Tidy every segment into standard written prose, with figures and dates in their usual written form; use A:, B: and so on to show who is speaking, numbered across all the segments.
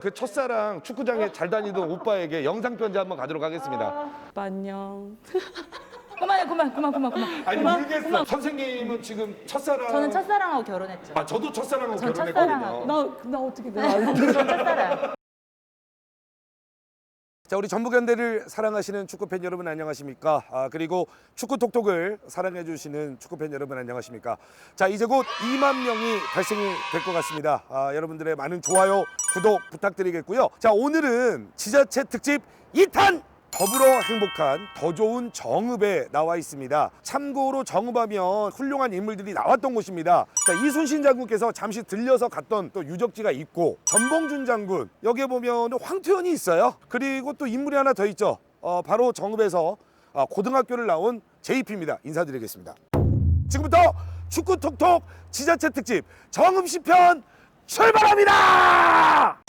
A: 그 첫사랑 축구장에 잘 다니던 오빠에게 영상 편지 한번 가도록 하겠습니다.
B: 오빠 안녕.
C: 그만.
A: 아니 모르겠어. 선생님은 지금 첫사랑.
C: 저는 첫사랑하고 결혼했죠.
A: 아 저도 첫사랑하고
C: 전
A: 결혼했거든요.
B: 나 어떻게 내가 알고.
C: 전 첫사랑.
A: 자, 우리 전북현대를 사랑하시는 축구팬 여러분 안녕하십니까? 그리고 축구톡톡을 사랑해 주시는 축구팬 여러분 안녕하십니까? 자, 이제 곧 2만 명이 달성이 될 것 같습니다. 여러분들의 많은 좋아요, 구독 부탁드리겠고요. 자, 오늘은 지자체 특집 2탄! 더불어 행복한 더 좋은 정읍에 나와 있습니다. 참고로 정읍하면 훌륭한 인물들이 나왔던 곳입니다. 자, 이순신 장군께서 잠시 들려서 갔던 또 유적지가 있고, 전봉준 장군, 여기에 보면 황투연이 있어요. 그리고 또 인물이 하나 더 있죠. 바로 정읍에서 고등학교를 나온 JP입니다. 인사드리겠습니다. 지금부터 축구 톡톡 지자체 특집 정읍시편 출발합니다.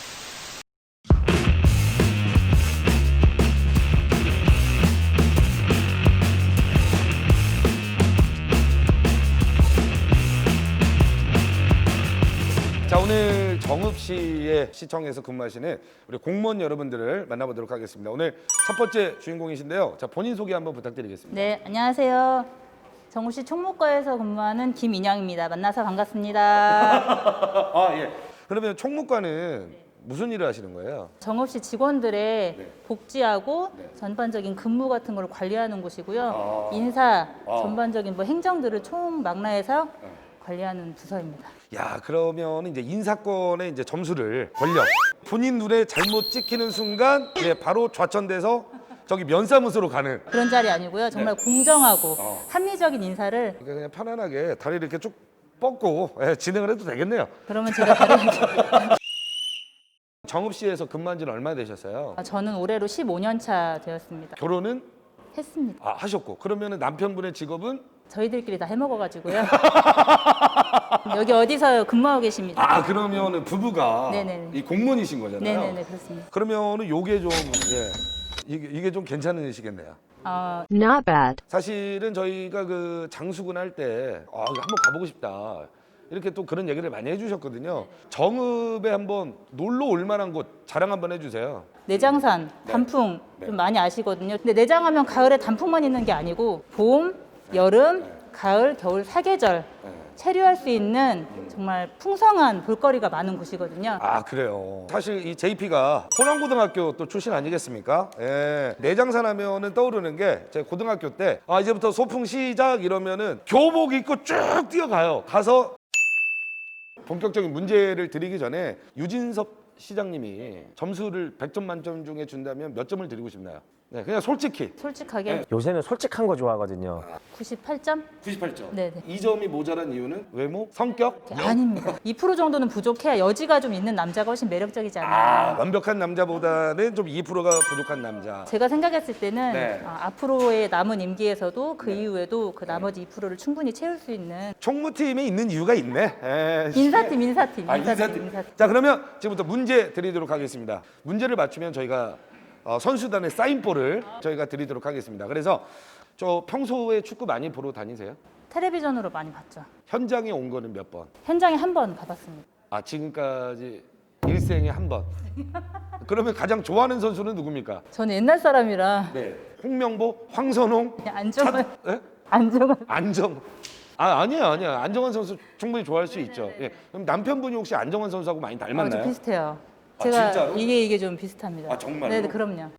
A: 자, 오늘 정읍시의 시청에서 근무하시는 우리 공무원 여러분들을 만나보도록 하겠습니다. 오늘 첫 번째 주인공이신데요. 자, 본인 소개 한번 부탁드리겠습니다.
C: 네, 안녕하세요. 정읍시 총무과에서 근무하는 김인영입니다. 만나서 반갑습니다.
A: 아, 예. 그러면 총무과는 무슨 일을 하시는 거예요?
C: 정읍시 직원들의
A: 네.
C: 복지하고
A: 네.
C: 전반적인 근무 같은 걸 관리하는 곳이고요.
A: 아.
C: 인사,
A: 아.
C: 전반적인 뭐 행정들을 총망라해서 관리하는 부서입니다.
A: 야, 그러면 이제 인사권의 이제 점수를 권력 본인 눈에 잘못 찍히는 순간 바로 좌천돼서 저기 면사무소로 가는.
C: 그런 자리 아니고요. 정말 공정하고 합리적인 인사를.
A: 그러니까 그냥 편안하게 다리를 이렇게 쭉 뻗고 진행을 해도 되겠네요.
C: 그러면 제가 다른
A: 정읍시에서 근무한 지는 얼마나 되셨어요?
C: 저는 올해로 15년 차 되었습니다.
A: 결혼은
C: 했습니다.
A: 하셨고, 그러면은 남편분의 직업은?
C: 저희들끼리 다 해먹어가지고요. 여기 어디서 근무하고 계십니다.
A: 그러면은 부부가
C: 네네네.
A: 이 공무원이신 거잖아요.
C: 네네네, 그렇습니다.
A: 그러면은 요게 좀 이게 좀 괜찮으시겠네요.
D: Not bad.
A: 사실은 저희가 그 장수군 할 때 한번 가보고 싶다 이렇게 또 그런 얘기를 많이 해주셨거든요. 정읍에 한번 놀러 올 만한 곳 자랑 한번 해주세요.
C: 내장산, 단풍
A: 네.
C: 좀 많이 아시거든요. 근데 내장하면 가을에 단풍만 있는 게 아니고 봄, 여름, 가을, 겨울 사계절 체류할 수 있는 정말 풍성한 볼거리가 많은 곳이거든요.
A: 그래요. 사실 이 JP가 호남고등학교 또 출신 아니겠습니까? 예. 내장산 하면은 떠오르는 게 제 고등학교 때 이제부터 소풍 시작 이러면은 교복 입고 쭉 뛰어가요. 가서 본격적인 문제를 드리기 전에 유진섭 시장님이 점수를 100점 만점 중에 준다면 몇 점을 드리고 싶나요? 네, 그냥 솔직히.
C: 솔직하게
E: 요새는 솔직한 거 좋아하거든요.
C: 98점?
A: 98점.
C: 네네.
A: 2점이 모자란 이유는 외모, 성격?
C: 아닙니다. 2% 정도는 부족해야 여지가 좀 있는 남자가 훨씬 매력적이지 않나.
A: 완벽한 남자보다는 좀 2%가 부족한 남자.
C: 제가 생각했을 때는
A: 네.
C: 앞으로의 남은 임기에서도 그 이후에도 그 나머지 2%를 충분히 채울 수 있는
A: 총무팀에 있는 이유가 있네.
C: 인사팀.
A: 자, 그러면 지금부터 문제 드리도록 하겠습니다. 문제를 맞추면 저희가 선수단의 사인볼을 저희가 드리도록 하겠습니다. 그래서 저 평소에 축구 많이 보러 다니세요?
C: 텔레비전으로 많이 봤죠.
A: 현장에 온 거는 몇 번?
C: 현장에 한 번 가봤습니다.
A: 지금까지 일생에 한 번. 그러면 가장 좋아하는 선수는 누굽니까?
C: 저는 옛날 사람이라
A: 네. 홍명보, 황선홍,
C: 그냥 안정환.
A: 예? 안정. 아니에요. 안정환 선수 충분히 좋아할 수 있죠. 예. 그럼 남편분이 혹시 안정환 선수하고 많이 닮았나요?
C: 좀 비슷해요.
A: 아,
C: 제가
A: 진짜로?
C: 이게 좀 비슷합니다.
A: 정말로?
C: 네, 그럼요.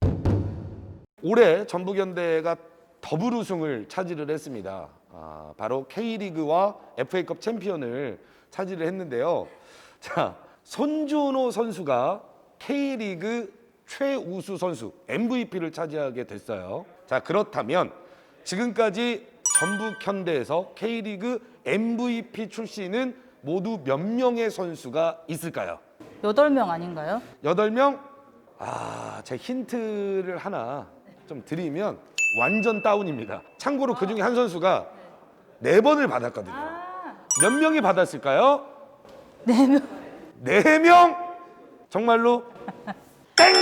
A: 올해 전북현대가 더블 우승을 차지를 했습니다. 바로 K리그와 FA컵 챔피언을 차지를 했는데요. 자, 손준호 선수가 K리그 최우수 선수 MVP를 차지하게 됐어요. 자, 그렇다면 지금까지 전북현대에서 K리그 MVP 출신은 모두 몇 명의 선수가 있을까요?
C: 8명 아닌가요?
A: 8명? 제 힌트를 하나 좀 드리면 완전 다운입니다. 참고로 그 중에 한 선수가 4번을 받았거든요. 몇 명이 받았을까요?
C: 4명.
A: 4명? 정말로? 땡!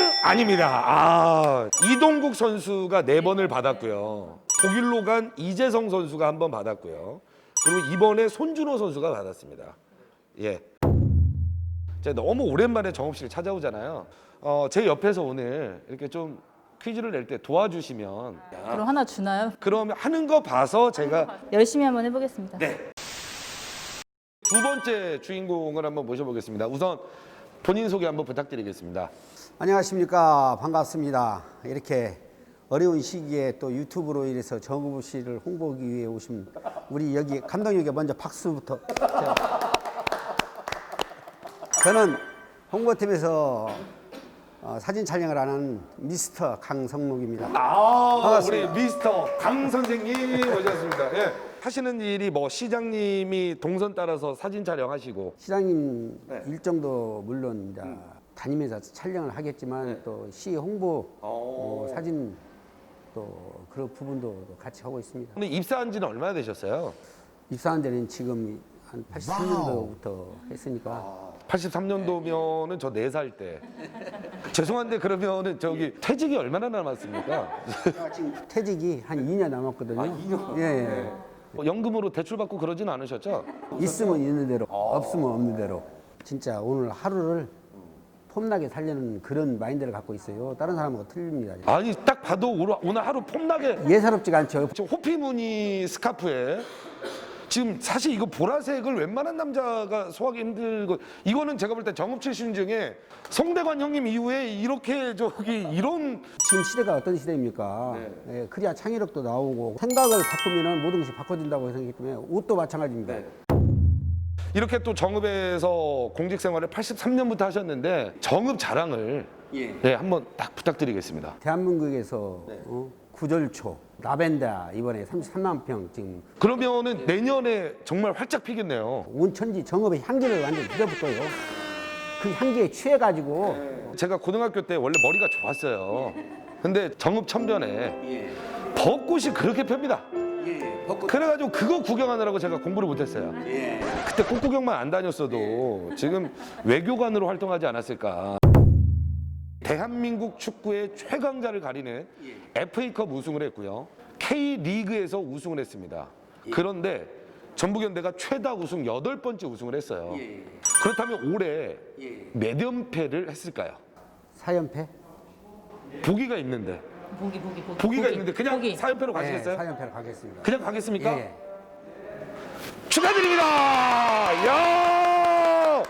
A: 아닙니다. 이동국 선수가 4번을 받았고요. 독일로 간 이재성 선수가 1번 받았고요. 그리고 이번에 손준호 선수가 받았습니다. 예. 제가 너무 오랜만에 정읍시를 찾아오잖아요. 제 옆에서 오늘 이렇게 좀 퀴즈를 낼 때 도와주시면
C: 그럼 하나 주나요?
A: 그러면 하는 거 봐서 제가
C: 열심히 한번 해보겠습니다.
A: 네. 두 번째 주인공을 한번 모셔보겠습니다. 우선 본인 소개 한번 부탁드리겠습니다.
D: 안녕하십니까. 반갑습니다. 이렇게 어려운 시기에 또 유튜브로 인해서 정읍시를 홍보하기 위해 오신 우리 여기 감독님께 먼저 박수부터. 저는 홍보팀에서 사진 촬영을 하는 미스터 강성록입니다.
A: 우리
D: 반갑습니다.
A: 미스터 강 선생님 모셨습니다. 예. 하시는 일이 뭐 시장님이 동선 따라서 사진 촬영하시고
D: 시장님
A: 네.
D: 일정도 물론 이제 다니면서 촬영을 하겠지만 또 시 홍보 사진 또 그런 부분도 같이 하고 있습니다.
A: 근데 입사한 지는 얼마나 되셨어요?
D: 입사한 데는 지금 한 83년도부터 했으니까
A: 83년도면은 저 4살 때. 죄송한데 그러면은 저기 퇴직이 얼마나 남았습니까?
D: 제가 지금 퇴직이 한 2년 남았거든요.
A: 2년?
D: 예, 예.
A: 연금으로 대출 받고 그러진 않으셨죠?
D: 있으면 있는 대로, 없으면 없는 대로. 진짜 오늘 하루를 폼나게 살려는 그런 마인드를 갖고 있어요. 다른 사람하고 틀립니다.
A: 아니 딱 봐도 오늘 하루 폼나게
D: 예사롭지가 않죠.
A: 지금 호피무늬 스카프에 지금 사실 이거 보라색을 웬만한 남자가 소화하기 힘들고 이거는 제가 볼 때 정읍 출신 중에 송대관 형님 이후에 이렇게 저기 이런
D: 지금 시대가 어떤 시대입니까? 예, 그래야 창의력도 나오고 생각을 바꾸면 모든 것이 바꿔진다고 생각했기 때문에 옷도 마찬가지입니다.
A: 이렇게 또 정읍에서 공직 생활을 83년부터 하셨는데 정읍 자랑을 예, 한번 딱 부탁드리겠습니다.
D: 대한민국에서 구절초, 라벤더 이번에 33만 평 지금
A: 그러면은 내년에 정말 활짝 피겠네요.
D: 온천지 정읍의 향기를 완전 밀어붙어요. 그 향기에 취해가지고
A: 제가 고등학교 때 원래 머리가 좋았어요. 근데 정읍 천변에 벚꽃이 그렇게 펴니다. 그래가지고 그거 구경하느라고 제가 공부를 못했어요. 그때 꽃 구경만 안 다녔어도 지금 외교관으로 활동하지 않았을까. 대한민국 축구의 최강자를 가리는 FA컵 우승을 했고요. K리그에서 우승을 했습니다. 그런데 전북현대가 최다 우승 8번째 우승을 했어요. 그렇다면 올해 몇 연패를 했을까요?
D: 4연패?
A: 보기가 있는데. 보기가
C: 보기.
A: 있는데 그냥
C: 보기.
A: 4연패로 가시겠어요?
D: 4연패를 가겠습니다.
A: 그냥 가겠습니까?
D: 예.
A: 축하드립니다. 야!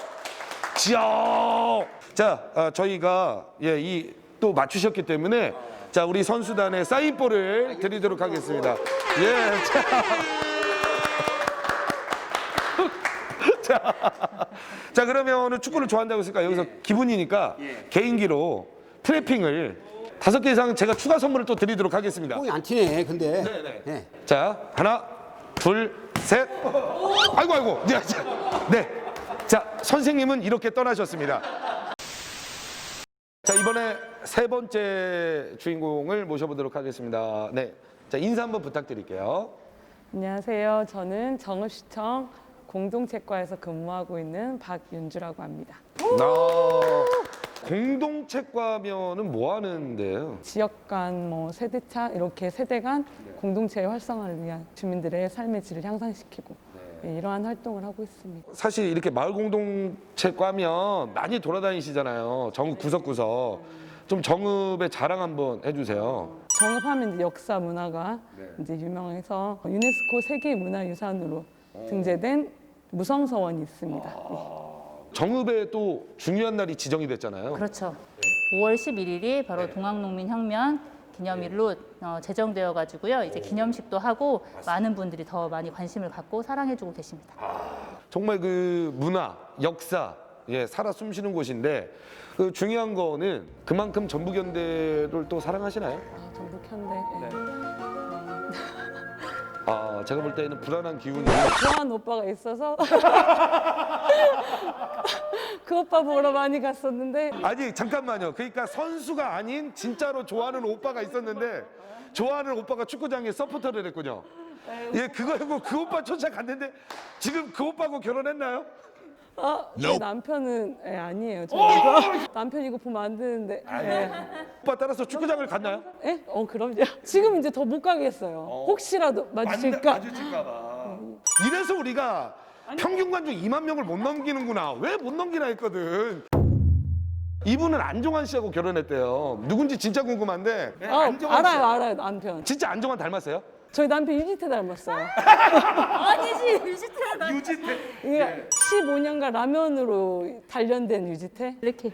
A: 자, 저희가 이 또 맞추셨기 때문에 자, 우리 선수단의 사인볼을 드리도록 하겠습니다. 예. 자, 그러면은 축구를 좋아한다고 했으니까 여기서 기분이니까 개인기로 트래핑을 5개 이상 제가 추가 선물을 또 드리도록 하겠습니다.
D: 뽕이 안 튀네. 근데
A: 네네.
D: 예.
A: 자, 하나, 둘, 셋. 아이고. 네. 자, 선생님은 이렇게 떠나셨습니다. 자, 이번에 세 번째 주인공을 모셔보도록 하겠습니다. 네. 자, 인사 한번 부탁드릴게요.
B: 안녕하세요. 저는 정읍시청 공동체과에서 근무하고 있는 박윤주라고 합니다.
A: 공동체과면은 뭐 하는데요?
B: 지역 간, 세대차 이렇게 세대 간 공동체의 활성화를 위한 주민들의 삶의 질을 향상시키고 이러한 활동을 하고 있습니다.
A: 사실 이렇게 마을 공동체과면 많이 돌아다니시잖아요. 정읍 구석구석. 좀 정읍의 자랑 한번 해주세요.
B: 정읍하면 이제 역사 문화가 이제 유명해서 유네스코 세계 문화유산으로 등재된 무성서원이 있습니다.
A: 정읍에 또 중요한 날이 지정이 됐잖아요.
C: 그렇죠. 5월 11일이 바로 동학농민혁명 기념일로 제정되어 가지고요. 이제 기념식도 하고 많은 분들이 더 많이 관심을 갖고 사랑해주고 계십니다.
A: 정말 그 문화, 역사, 살아 숨쉬는 곳인데 그 중요한 거는 그만큼 전북현대를 또 사랑하시나요?
B: 전북현대.
A: 제가 볼 때는 불안한 기운이
B: 좋아하는 오빠가 있어서 그 오빠 보러 많이 갔었는데
A: 아니 잠깐만요. 그러니까 선수가 아닌 진짜로 좋아하는 오빠가 있었는데 좋아하는 오빠가 축구장에 서포터를 했군요. 그거고 그 오빠 쫓아갔는데 지금 그 오빠하고 결혼했나요?
B: 제 남편은 아니에요. 남편 이거 보면 안 되는데.
A: 오빠 따라서 축구장을 갔나요?
B: 그럼요. 지금 이제 더 못 가겠어요. 혹시라도 마주칠까?
A: 마주칠까 봐. 이래서 우리가 평균 관중 2만 명을 못 넘기는구나. 왜 못 넘기나 했거든. 이분은 안정환 씨하고 결혼했대요. 누군지 진짜 궁금한데. 안정환 씨.
B: 알아요 남편.
A: 진짜 안정환 닮았어요?
B: 저희 남편 유지태 닮았어요.
C: 아니지 유지태가
A: 유지태.
B: 이게 15년간 라면으로 단련된 유지태.
C: 이렇게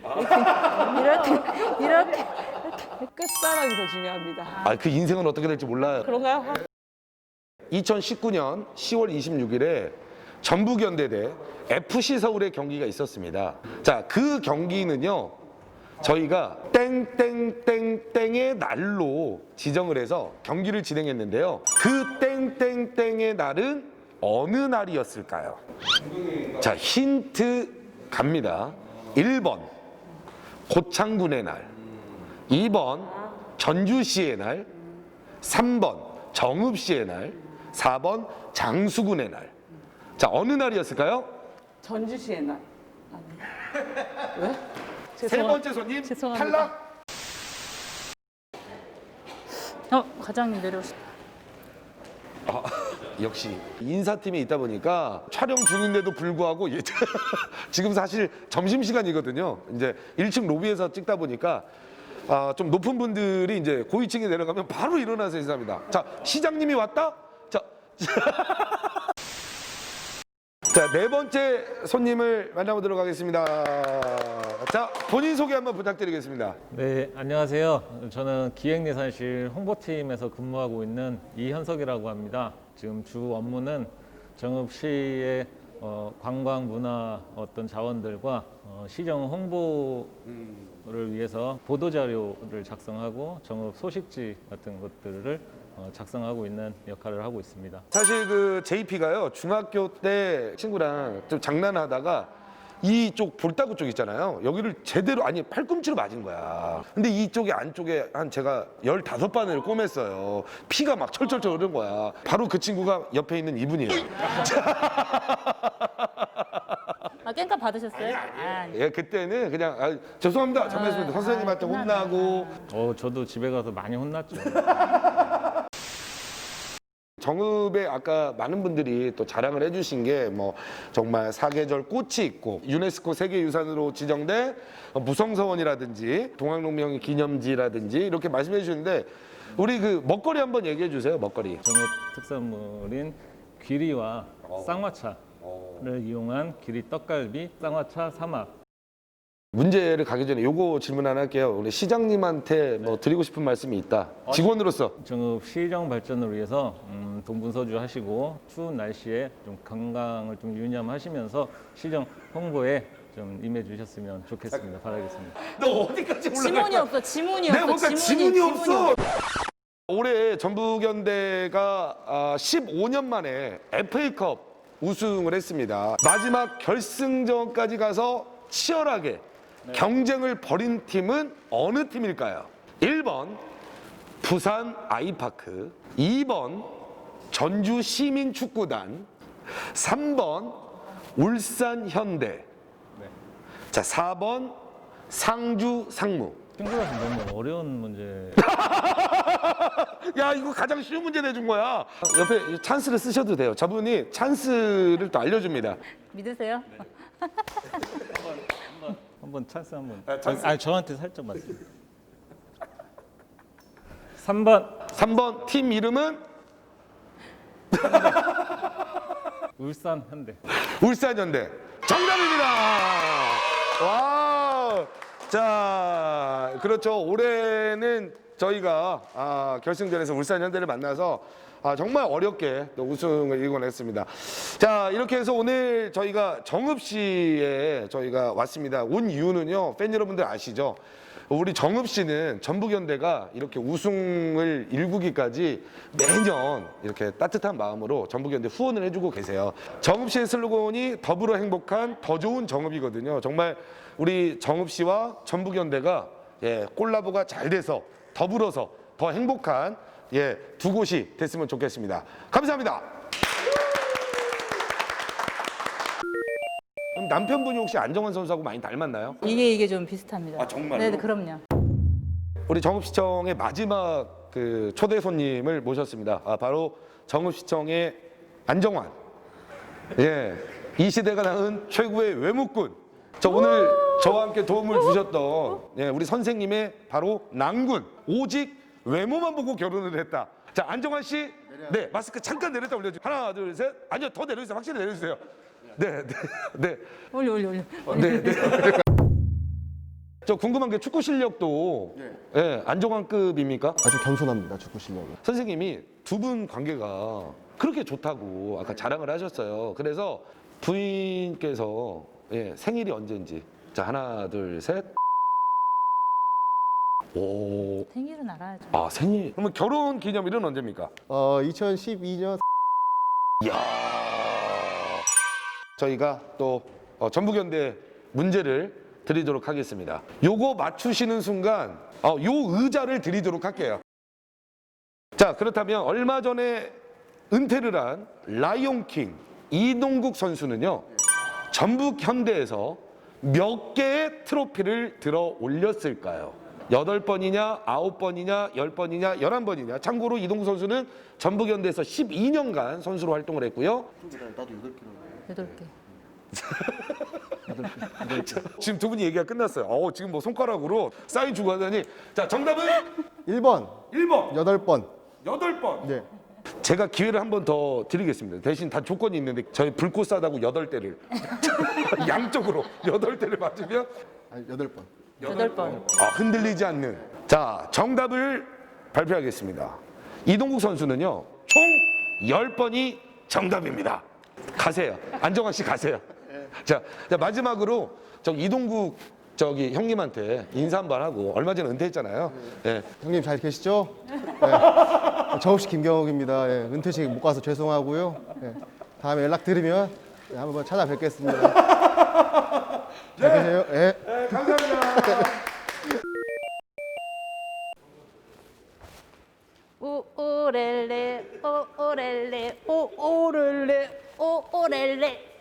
B: 끝사랑이 더 중요합니다.
A: 아, 그 인생은 어떻게 될지 몰라요.
B: 그런가요?
A: 2019년 10월 26일에 전북현대 대 FC 서울의 경기가 있었습니다. 자, 그 경기는요, 저희가 땡땡땡땡의 날로 지정을 해서 경기를 진행했는데요. 그 땡땡땡의 날은 어느 날이었을까요? 자, 힌트 갑니다. 1번 고창군의 날, 2번 전주시의 날, 3번 정읍시의 날, 4번 장수군의 날. 자, 어느 날이었을까요?
B: 전주시의 날. 왜?
A: 세 번째 손님
B: 죄송합니다.
A: 탈락.
C: 과장님 내려오시다.
A: 역시 인사팀에 있다 보니까 촬영 중인데도 불구하고 지금 사실 점심시간이거든요. 이제 1층 로비에서 찍다 보니까 좀 높은 분들이 이제 고위층에 내려가면 바로 일어나서 인사합니다. 자, 시장님이 왔다? 자, 네 번째 손님을 만나보도록 하겠습니다. 자, 본인 소개 한번 부탁드리겠습니다.
F: 네, 안녕하세요. 저는 기획예산실 홍보팀에서 근무하고 있는 이현석이라고 합니다. 지금 주 업무는 정읍시의 관광 문화 어떤 자원들과 시정 홍보를 위해서 보도 자료를 작성하고 정읍 소식지 같은 것들을 작성하고 있는 역할을 하고 있습니다.
A: 사실 그 JP가요, 중학교 때 친구랑 좀 장난하다가 이쪽 볼따구 쪽 있잖아요. 여기를 제대로, 아니, 팔꿈치로 맞은 거야. 근데 이쪽에 안쪽에 한 제가 15바늘 꿰맸어요. 피가 막 철철철 흐른 거야. 바로 그 친구가 옆에 있는 이분이에요.
C: 깽값 받으셨어요?
A: 예, 그때는 그냥 죄송합니다. 잘못했습니다. 선생님한테 혼나고.
F: 저도 집에 가서 많이 혼났죠.
A: 정읍에 아까 많은 분들이 또 자랑을 해주신 게 뭐 정말 사계절 꽃이 있고 유네스코 세계유산으로 지정된 무성서원이라든지 동학농명 기념지라든지 이렇게 말씀해 주시는데 우리 그 먹거리 한번 얘기해 주세요. 먹거리.
F: 정읍 특산물인 귀리와 쌍화차를 이용한 귀리 떡갈비, 쌍화차 삼합.
A: 문제를 가기 전에 요거 질문 하나 할게요. 우리 시장님한테 뭐 드리고 싶은 말씀이 있다. 직원으로서.
F: 정읍 시정 발전을 위해서 동분서주 하시고 추운 날씨에 좀 건강을 좀 유념하시면서 시정 홍보에 좀 임해 주셨으면 좋겠습니다. 바라겠습니다.
A: 너 어디까지 올라갈
C: 지문이
A: 거야?
C: 없어. 지문이
A: 내가
C: 없어.
A: 뭔가 지문이 없어. 올해 전북현대가 15년 만에 FA컵 우승을 했습니다. 마지막 결승전까지 가서 치열하게 경쟁을 벌인 팀은 어느 팀일까요? 1번 부산 아이파크, 2번 전주 시민축구단, 3번 울산 현대, 자 4번 상주 상무.
F: 친구라서 너무 어려운 문제.
A: 야, 이거 가장 쉬운 문제 내준 거야. 옆에 찬스를 쓰셔도 돼요. 저분이 찬스를 또 알려줍니다.
C: 믿으세요?
F: 한번 찬스 한번.
A: 찬스.
F: 아니 저한테 살짝 맞습니다. 3번
A: 3번 팀 이름은
F: 울산 현대.
A: 울산현대. 정답입니다. 와. 자, 그렇죠. 올해는 저희가 결승전에서 울산현대를 만나서 정말 어렵게 또 우승을 이뤄냈습니다. 자, 이렇게 해서 오늘 저희가 정읍시에 저희가 왔습니다. 온 이유는요, 팬 여러분들 아시죠? 우리 정읍시는 전북현대가 이렇게 우승을 일구기까지 매년 이렇게 따뜻한 마음으로 전북현대 후원을 해주고 계세요. 정읍시의 슬로건이 더불어 행복한 더 좋은 정읍이거든요. 정말 우리 정읍시와 전북현대가 콜라보가 잘 돼서 더불어서 더 행복한 두 곳이 됐으면 좋겠습니다. 감사합니다. 그럼 남편분이 혹시 안정환 선수하고 많이 닮았나요?
C: 이게 좀 비슷합니다.
A: 아, 정말로?
C: 네, 그럼요.
A: 우리 정읍시청의 마지막 그 초대 손님을 모셨습니다. 바로 정읍시청의 안정환. 이 시대가 낳은 최고의 외무꾼. 저 오늘 저와 함께 도움을 주셨던 예, 우리 선생님의 바로 낭군. 오직 외모만 보고 결혼을 했다. 자, 안정환 씨. 네, 마스크 잠깐 내렸다 올려주세요. 하나, 둘, 셋. 아니요, 더 내려주세요. 확실히 내려주세요. 네, 네, 네.
C: 올려.
A: 네, 네. 저 궁금한 게 축구 실력도 예, 안정환급입니까?
G: 아주 겸손합니다, 축구 실력이.
A: 선생님이 두 분 관계가 그렇게 좋다고 아까 자랑을 하셨어요. 그래서 부인께서 예, 생일이 언제인지. 자, 하나, 둘, 셋. 오.
C: 생일은 알아야죠.
A: 아, 생일. 그러면 결혼 기념일은 언제입니까?
G: 2012년
A: 이야. 저희가 또 전북현대 문제를 드리도록 하겠습니다. 요거 맞추시는 순간 요 의자를 드리도록 할게요. 자, 그렇다면 얼마 전에 은퇴를 한 라이온킹 이동국 선수는요. 전북현대에서 몇 개의 트로피를 들어 올렸을까요? 8번이냐, 9번이냐, 10번이냐, 11번이냐. 참고로 이동국 선수는 전북현대에서 12년간 선수로 활동을 했고요.
C: 8개.
A: 지금 두 분이 얘기가 끝났어요. 지금 뭐 손가락으로 사인 주고 하더니 자, 정답은
G: 1번,
A: 1번,
G: 8번.
A: 8번.
G: 네.
A: 제가 기회를 한 번 더 드리겠습니다. 대신 다 조건이 있는데 저희 불꽃 싸다고 8대를 양쪽으로 8대를 맞으면
G: 8번.
C: 8번.
A: 흔들리지 않는. 자, 정답을 발표하겠습니다. 이동국 선수는요. 총 10번이 정답입니다. 가세요. 안정환 씨 가세요. 자, 마지막으로 이동국 형님한테 인사 한번 하고 얼마 전에 은퇴했잖아요. 예.
G: 형님 잘 계시죠? 네. 저 없이 김경욱입니다. 예, 은퇴식 못 가서 죄송하고요. 예, 다음에 연락 드리면 한번 찾아뵙겠습니다. 잘 계세요. 예.
A: 감사합니다.
C: 오오렐레 오오렐레 오오렐레 오오렐레